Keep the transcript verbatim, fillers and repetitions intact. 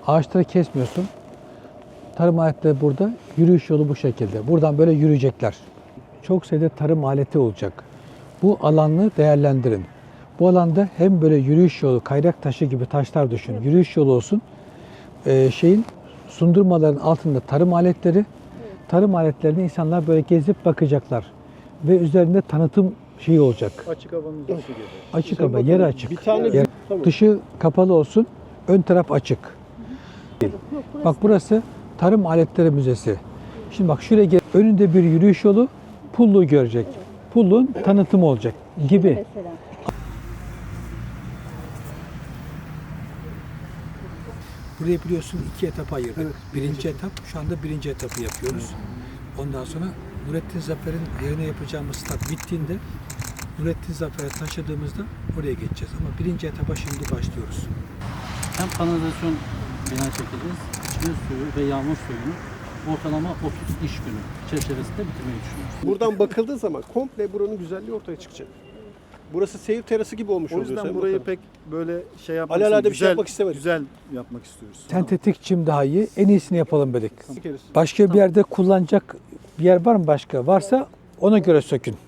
Ağaçları kesmiyorsun. Tarım aletleri burada. Yürüyüş yolu bu şekilde. Buradan böyle yürüyecekler. Çok sayıda tarım aleti olacak. Bu alanı değerlendirin. Bu alanda hem böyle yürüyüş yolu, kayrak taşı gibi taşlar düşün. Yürüyüş yolu olsun. Ee, şeyin sundurmaların altında tarım aletleri. Tarım aletlerini insanlar böyle gezip bakacaklar. Ve üzerinde tanıtım şeyi olacak. Açık havanın dışı gibi. Açık hava, yeri açık. Bir tane Yer- tamam. Dışı kapalı olsun, ön taraf açık. Bak burası Tarım Aletleri Müzesi. Şimdi bak şuraya gel. Önünde bir yürüyüş yolu, pulluğu görecek. Pulluğun tanıtımı olacak gibi. Mesela. Burayı biliyorsun iki etapa ayırdık. Birinci etap, şu anda birinci etapı yapıyoruz. Ondan sonra Nurettin Zafer'in yerine yapacağımız stat bittiğinde Nurettin Zafer'e taşıdığımızda oraya geçeceğiz. Ama birinci etapa şimdi başlıyoruz. Hem kanalizasyon bina çekeceğiz, içme suyu ve yağmur suyunu ortalama otuz iş günü çerçevesinde bitirmeyi düşünüyoruz. Buradan bakıldığı zaman komple buranın güzelliği ortaya çıkacak. Burası seyir terası gibi olmuş O oluyor. yüzden Sayın burayı Bakanım. pek böyle şey yapmak Alelade bir şey güzel, yapmak istemedik. Güzel yapmak istiyoruz. Sentetik çim daha iyi. En iyisini yapalım dedik. Sökeriz. Başka bir yerde kullanacak bir yer var mı başka? Varsa ona göre sökün.